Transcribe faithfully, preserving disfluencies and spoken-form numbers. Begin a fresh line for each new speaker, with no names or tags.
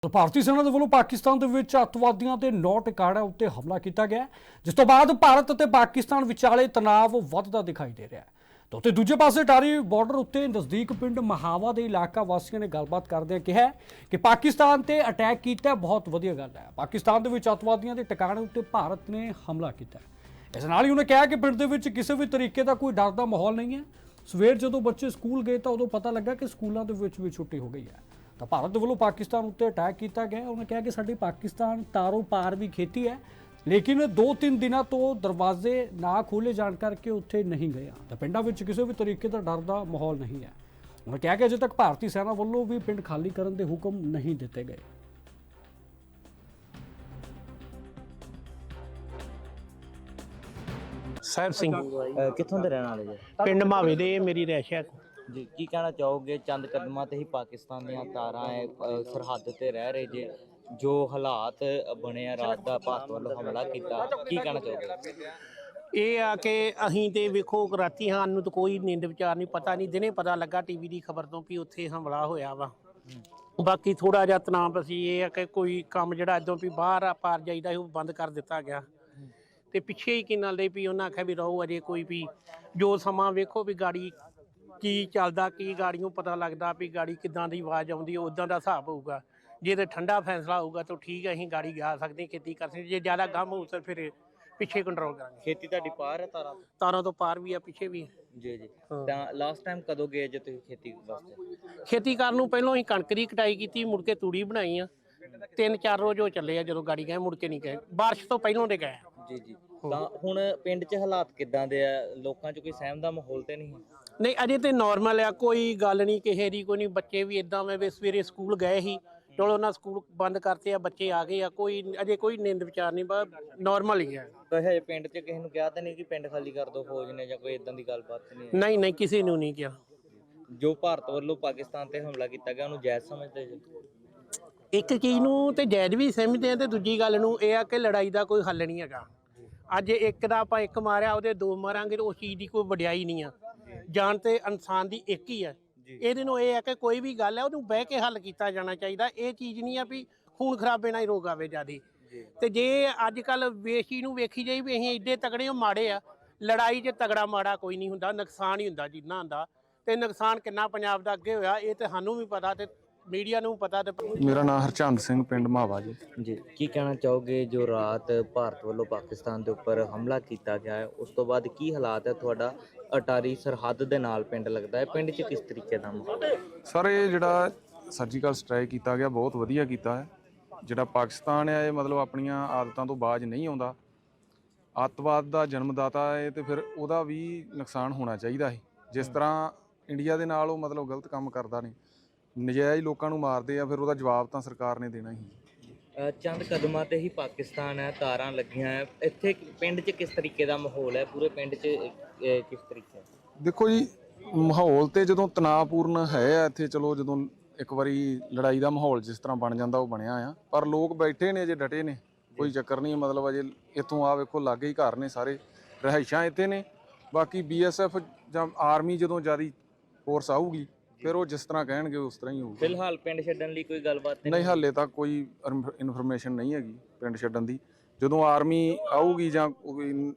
ਭਾਰਤੀ ਸੈਨਾ ਦੇ ਵੱਲੋਂ ਪਾਕਿਸਤਾਨ ਦੇ ਵਿੱਚ ਅੱਤਵਾਦੀਆਂ ਦੇ ਨੌ ਟਿਕਾਣਿਆਂ ਉੱਤੇ ਹਮਲਾ ਕੀਤਾ ਗਿਆ, ਜਿਸ ਤੋਂ ਬਾਅਦ ਭਾਰਤ ਅਤੇ ਪਾਕਿਸਤਾਨ ਵਿਚਾਲੇ ਤਣਾਅ ਵੱਧਦਾ ਦਿਖਾਈ ਦੇ ਰਿਹਾ ਹੈ। ਤਾਂ ਉੱਤੇ ਦੂਜੇ ਪਾਸੇ ਟਾਰੀ ਬਾਰਡਰ ਉੱਤੇ ਨਜ਼ਦੀਕ ਪਿੰਡ ਮਹਾਵਾ ਦੇ ਇਲਾਕਾ ਵਾਸੀਆਂ ਨੇ ਗੱਲਬਾਤ ਕਰਦਿਆਂ ਕਿਹਾ ਕਿ ਪਾਕਿਸਤਾਨ ਤੇ ਅਟੈਕ ਕੀਤਾ ਬਹੁਤ ਵਧੀਆ ਗੱਲ ਹੈ। ਪਾਕਿਸਤਾਨ ਦੇ ਵਿੱਚ ਅੱਤਵਾਦੀਆਂ ਦੇ ਟਿਕਾਣੇ ਉੱਤੇ ਭਾਰਤ ਨੇ ਹਮਲਾ ਕੀਤਾ। ਇਸ ਨਾਲ ਹੀ ਉਹਨੇ ਕਿਹਾ ਕਿ ਪਿੰਡ ਦੇ ਵਿੱਚ ਕਿਸੇ ਵੀ ਤਰੀਕੇ ਦਾ ਕੋਈ ਡਰ ਦਾ ਮਾਹੌਲ ਨਹੀਂ ਹੈ। ਸਵੇਰ ਜਦੋਂ ਬੱਚੇ ਸਕੂਲ ਗਏ ਤਾਂ ਉਦੋਂ ਪਤਾ ਲੱਗਾ ਕਿ ਸਕੂਲਾਂ ਦੇ ਵਿੱਚ ਵੀ ਛੁੱਟੀ ਹੋ ਗਈ ਹੈ। ਤਾਂ ਭਾਰਤ ਦੇ ਵੱਲੋਂ ਪਾਕਿਸਤਾਨ ਉੱਤੇ ਅਟੈਕ ਕੀਤਾ ਗਿਆ। ਉਹਨੇ ਕਿਹਾ ਕਿ ਸਾਡੀ ਪਾਕਿਸਤਾਨ ਤਾਰੋਂ ਪਾਰ ਵੀ ਖੇਤੀ ਹੈ, ਲੇਕਿਨ ਦੋ ਤਿੰਨ ਦਿਨਾਂ ਤੋਂ ਦਰਵਾਜ਼ੇ ਨਾ ਖੋਲ੍ਹੇ ਜਾਣ ਕਰਕੇ ਉੱਥੇ ਨਹੀਂ ਗਏ। ਤਾਂ ਪਿੰਡਾਂ ਵਿੱਚ ਕਿਸੇ ਵੀ ਤਰੀਕੇ ਦਾ ਡਰ ਦਾ ਮਾਹੌਲ ਨਹੀਂ ਹੈ। ਉਹਨੇ ਕਿਹਾ ਕਿ ਅਜੇ ਤੱਕ ਭਾਰਤੀ ਸੈਨਾ ਵੱਲੋਂ ਵੀ ਪਿੰਡ ਖਾਲੀ ਕਰਨ ਦੇ ਹੁਕਮ ਨਹੀਂ ਦਿੱਤੇ ਗਏ।
ਸਾਹਿਬ ਸਿੰਘ
ਕਿੱਥੋਂ ਦੇ ਰਹਿਣ ਵਾਲੇ ਜੀ?
ਪਿੰਡ ਮਾਵੇ ਦੇ ਮੇਰੀ ਰਹਿਸ਼ ਹੈ
ਜੀ ਕੀ ਕਹਿਣਾ ਚਾਹੋਗੇ? ਚੰਦ ਕਦਮਾਂ ਤੇ ਹੀ ਪਾਕਿਸਤਾਨ ਦੀਆਂ ਤਾਰਾਂ ਹੈ, ਅ, ਸਰਹੱਦ ਤੇ ਰਹਿ ਰਹੇ ਜੇ, ਜੋ ਹਾਲਾਤ ਬਣੇ ਆ, ਰਾਤ ਦਾ ਭਾਰਤ ਵੱਲੋਂ ਹਮਲਾ ਕੀਤਾ, ਕੀ ਕਹਿਣਾ ਚਾਹੋਗੇ?
ਇਹ ਆ ਕਿ ਅਸੀਂ ਤੇ ਵੇਖੋ ਰਾਤੀ ਹਾਂ ਨੂੰ ਤਾਂ ਕੋਈ ਨੀਂਦ ਵਿਚਾਰ ਨਹੀਂ, ਪਤਾ ਨਹੀਂ, ਦਿਨੇ ਪਤਾ ਲੱਗਾ ਟੀਵੀ ਦੀ ਖਬਰ ਤੋਂ ਵੀ ਉੱਥੇ ਹਮਲਾ ਹੋਇਆ ਵਾ। ਬਾਕੀ ਥੋੜਾ ਜਿਹਾ ਤਣਾਅ ਸੀ, ਇਹ ਆ ਕਿ ਕੋਈ ਕੰਮ ਜਿਹੜਾ ਇਦੋਂ ਵੀ ਬਾਹਰ ਆ ਪਾਰ ਜਾਈਦਾ ਉਹ ਬੰਦ ਕਰ ਦਿੱਤਾ ਗਿਆ। ਤੇ ਪਿੱਛੇ ਹੀ ਕਿਨਾਂ ਲਈ ਵੀ ਉਹਨਾਂ ਆਖਿਆ ਵੀ ਰਹੋ, ਅਜੇ ਕੋਈ ਵੀ ਜੋ ਸਮਾਂ ਵੇਖੋ ਵੀ ਗਾੜੀ ਕੀ ਚੱਲਦਾ, ਕੀ ਗਾੜੀਆਂ ਪਤਾ ਲੱਗਦਾ ਵੀ ਗਾੜੀ ਕਿੱਦਾਂ ਦੀ ਆਵਾਜ਼ ਆਉਂਦੀ, ਉਦਾਂ ਦਾ ਹਿਸਾਬ ਹੋਊਗਾ। ਜੇ ਤੇ ਠੰਡਾ ਫੈਸਲਾ ਹੋਊਗਾ ਤਾਂ ਠੀਕ ਹੈ, ਅਸੀਂ ਗਾੜੀ ਜਾ ਸਕਦੇ, ਖੇਤੀ ਕਰ ਸਕਦੇ। ਜੇ ਜ਼ਿਆਦਾ ਗਮ ਹੋਊ ਤਾਂ ਫਿਰ ਪਿੱਛੇ ਕੰਟਰੋਲ ਕਰਾਂਗੇ।
ਖੇਤੀ ਤੁਹਾਡੀ ਪਾਰ ਹੈ ਤਾਰਾਂ ਤੋਂ?
ਤਾਰਾਂ ਤੋਂ ਪਾਰ ਵੀ ਆ, ਪਿੱਛੇ ਵੀ।
ਜੀ ਜੀ। ਤਾਂ ਲਾਸਟ ਟਾਈਮ ਕਦੋਂ ਗਏ ਜੇ ਤੁਸੀਂ ਖੇਤੀ ਵਾਸਤੇ?
ਖੇਤੀ ਕਰਨ ਨੂੰ ਪਹਿਲਾਂ ਅਸੀਂ ਕਣਕ ਦੀ ਕਟਾਈ ਕੀਤੀ, ਮੁੜ ਕੇ ਤੂੜੀ ਬਣਾਈ ਆ। ਤਿੰਨ ਚਾਰ ਰੋਜ਼ ਹੋ ਚੱਲੇ ਆ, ਜਦੋਂ ਗਾੜੀ ਗਏ ਮੁੜ ਕੇ ਨਹੀਂ ਗਏ, ਬਾਰਿਸ਼ ਤੋਂ ਪਹਿਲਾਂ ਦੇ ਗਏ।
ਜੀ ਜੀ। ਤਾਂ ਹੁਣ ਪਿੰਡ 'ਚ ਹਾਲਾਤ ਕਿੱਦਾਂ ਦੇ ਆ? ਲੋਕਾਂ 'ਚ ਕੋਈ ਸਹਿਮ ਦਾ ਮਾਹੌਲ ਤੇ ਨਹੀਂ?
ਨਹੀਂ ਅਜੇ ਤੇ ਨਾਰਮਲ ਆ, ਕੋਈ ਗੱਲ ਨਹੀਂ ਕਿਸੇ ਦੀ, ਕੋਈ ਨਹੀਂ। ਬੱਚੇ ਵੀ ਇਦਾਂ ਵੇ ਸਵੇਰੇ ਸਕੂਲ ਗਏ ਸੀ, ਚਲੋ ਉਹਨਾਂ ਸਕੂਲ ਬੰਦ ਕਰਤੇ ਆ, ਬੱਚੇ ਆ ਗਏ ਆ, ਕੋਈ ਅਜੇ ਕੋਈ ਨਿੰਦ ਵਿਚਾਰ ਨਹੀਂ, ਬਸ ਨਾਰਮਲ ਹੀ ਹੈ।
ਤਾਂ ਹਜੇ ਪਿੰਡ 'ਚ ਕਿਸੇ ਨੂੰ ਕਿਹਾ ਤਾਂ ਨਹੀਂ ਕਿ ਪਿੰਡ ਖਾਲੀ ਕਰ ਦਿਓ ਫੌਜ ਨੇ, ਜਾਂ ਕੋਈ ਇਦਾਂ ਦੀ ਗੱਲਬਾਤ ਨਹੀਂ?
ਨਹੀਂ ਨਹੀਂ ਕਿਸੇ ਨੂੰ ਨਹੀਂ ਕਿਹਾ।
ਜੋ ਭਾਰਤ ਵੱਲੋਂ ਪਾਕਿਸਤਾਨ ਤੇ ਹਮਲਾ ਕੀਤਾ ਗਿਆ ਉਹਨੂੰ ਜਾਇਜ਼ ਸਮਝਦੇ ਜੀ?
ਇੱਕ ਚੀਜ਼ ਨੂੰ ਤੇ ਜਾਇਜ਼ ਵੀ ਸਮਝਦੇ ਆ, ਤੇ ਦੂਜੀ ਗੱਲ ਨੂੰ ਇਹ ਆ ਕਿ ਲੜਾਈ ਦਾ ਕੋਈ ਹੱਲ ਨਹੀਂ ਹੈਗਾ। ਅੱਜ ਇੱਕ ਦਾ ਆਪਾਂ ਇੱਕ ਮਾਰਿਆ, ਉਹਦੇ ਦੋ ਮਾਰਾਂਗੇ, ਤਾਂ ਉਸ ਚੀਜ਼ ਦੀ ਕੋਈ ਵਡਿਆਈ ਨਹੀਂ ਆ। ਜਾਨ ਤੇ ਇਨਸਾਨ ਦੀ ਇੱਕ ਹੀ ਹੈ। ਇਹਦੇ ਨੂੰ ਇਹ ਹੈ ਕਿ ਕੋਈ ਵੀ ਗੱਲ ਹੈ ਉਹਨੂੰ ਬਹਿ ਕੇ ਹੱਲ ਕੀਤਾ ਜਾਣਾ ਚਾਹੀਦਾ। ਇਹ ਚੀਜ਼ ਨਹੀਂ ਆ ਵੀ ਖੂਨ ਖਰਾਬੇ ਨਾਲ ਹੀ ਰੋਗ ਆਵੇ ਜਿਆਦੀ। ਤੇ ਜੇ ਅੱਜ ਕੱਲ ਵੇਸ਼ੀ ਨੂੰ ਵੇਖੀ ਜਾਈ ਵੀ ਅਸੀਂ ਏਡੇ ਤਗੜੇ ਹੋ ਮਾੜੇ ਆ, ਲੜਾਈ 'ਚ ਤਗੜਾ ਮਾੜਾ ਕੋਈ ਨਹੀਂ ਹੁੰਦਾ, ਨੁਕਸਾਨ ਹੀ ਹੁੰਦਾ ਜਿੰਨਾ ਹੁੰਦਾ। ਤੇ ਨੁਕਸਾਨ ਕਿੰਨਾ ਪੰਜਾਬ ਦਾ ਅੱਗੇ ਹੋਇਆ ਇਹ ਤੇ ਸਾਨੂੰ ਵੀ ਪਤਾ, ਤੇ ਮੀਡੀਆ ਨੂੰ ਪਤਾ। ਤੇ
ਮੇਰਾ ਨਾਮ ਹਰਚੰਦ ਸਿੰਘ, ਪਿੰਡ ਮਾਵਾ ਜੀ।
ਜੀ ਕੀ ਕਹਿਣਾ ਚਾਹੋਗੇ? ਜੋ ਰਾਤ ਭਾਰਤ ਵੱਲੋਂ ਪਾਕਿਸਤਾਨ ਦੇ ਉੱਪਰ ਹਮਲਾ ਕੀਤਾ ਗਿਆ ਹੈ, ਉਸ ਤੋਂ ਬਾਅਦ ਕੀ ਹਾਲਾਤ ਹੈ? ਤੁਹਾਡਾ ਅਟਾਰੀ ਸਰਹੱਦ ਦੇ ਨਾਲ ਪਿੰਡ ਲੱਗਦਾ ਹੈ, ਪਿੰਡ 'ਚ ਕਿਸ ਤਰੀਕੇ ਦਾ ਮਾਹੌਲ ਹੈ?
ਸਰ ਇਹ ਜਿਹੜਾ ਸਰਜੀਕਲ ਸਟ੍ਰਾਈਕ ਕੀਤਾ ਗਿਆ ਬਹੁਤ ਵਧੀਆ ਕੀਤਾ ਹੈ। ਜਿਹੜਾ ਪਾਕਿਸਤਾਨ ਹੈ ਇਹ ਮਤਲਬ ਆਪਣੀਆਂ ਆਦਤਾਂ ਤੋਂ ਬਾਜ ਨਹੀਂ ਆਉਂਦਾ, ਅੱਤਵਾਦ ਦਾ ਜਨਮਦਾਤਾ ਹੈ, ਤੇ ਫਿਰ ਉਹਦਾ ਵੀ ਨੁਕਸਾਨ ਹੋਣਾ ਚਾਹੀਦਾ ਹੈ। ਜਿਸ ਤਰ੍ਹਾਂ ਇੰਡੀਆ ਦੇ ਨਾਲ ਉਹ ਮਤਲਬ ਗਲਤ ਕੰਮ ਕਰਦਾ ਨਹੀਂ, ਨਜਾਇਜ਼ ਲੋਕਾਂ ਨੂੰ ਮਾਰਦੇ ਆ, ਫਿਰ ਉਹਦਾ ਜਵਾਬ ਤਾਂ ਸਰਕਾਰ ਨੇ ਦੇਣਾ ਹੀ।
ਚੰਦ ਕਦਮਾਂ ਤੇ ਹੀ ਪਾਕਿਸਤਾਨ ਹੈ, ਤਾਰਾਂ ਲੱਗੀਆਂ ਹੈ, ਇੱਥੇ ਪਿੰਡ 'ਚ ਕਿਸ ਤਰੀਕੇ ਦਾ ਮਾਹੌਲ ਹੈ? ਪੂਰੇ ਪਿੰਡ 'ਚ ਅਹ, ਕਿਸ ਤਰੀਕੇ?
ਦੇਖੋ ਜੀ, ਮਾਹੌਲ ਤੇ ਜਦੋਂ ਤਣਾਅਪੂਰਨ ਹੈ ਇੱਥੇ, ਚਲੋ ਜਦੋਂ ਇੱਕ ਵਾਰੀ ਲੜਾਈ ਦਾ ਮਾਹੌਲ ਜਿਸ ਤਰ੍ਹਾਂ ਬਣ ਜਾਂਦਾ ਉਹ ਬਣਿਆ ਆ, ਪਰ ਲੋਕ ਬੈਠੇ ਨੇ, ਅਜੇ ਡਟੇ ਨੇ, ਕੋਈ ਚੱਕਰ ਨਹੀਂ। ਮਤਲਬ ਅਜੇ ਇੱਥੋਂ ਆ ਵੇਖੋ ਲਾਗੇ ਹੀ ਘਰ ਨੇ, ਸਾਰੇ ਰਿਹਾਇਸ਼ਾਂ ਇੱਥੇ ਨੇ। ਬਾਕੀ ਬੀ ਐਸ ਐਫ ਜਾਂ ਆਰਮੀ ਜਦੋਂ ਜ਼ਿਆਦਾ ਫੋਰਸ ਆਊਗੀ ਫਿਰ ਉਹ ਜਿਸ ਤਰ੍ਹਾਂ ਕਹਿਣਗੇ ਉਸ ਤਰ੍ਹਾਂ ਹੀ ਹੋਊਗਾ।
ਫਿਲਹਾਲ ਪਿੰਡ ਛੱਡਣ ਲਈ ਕੋਈ ਗੱਲਬਾਤ
ਨਹੀਂ, ਹਾਲੇ ਤੱਕ ਕੋਈ ਇਨਫੋਰਮੇਸ਼ਨ ਨਹੀਂ ਹੈਗੀ ਪਿੰਡ ਛੱਡਣ ਦੀ। ਜਦੋਂ ਆਰਮੀ ਆਊਗੀ ਜਾਂ ਕੋਈ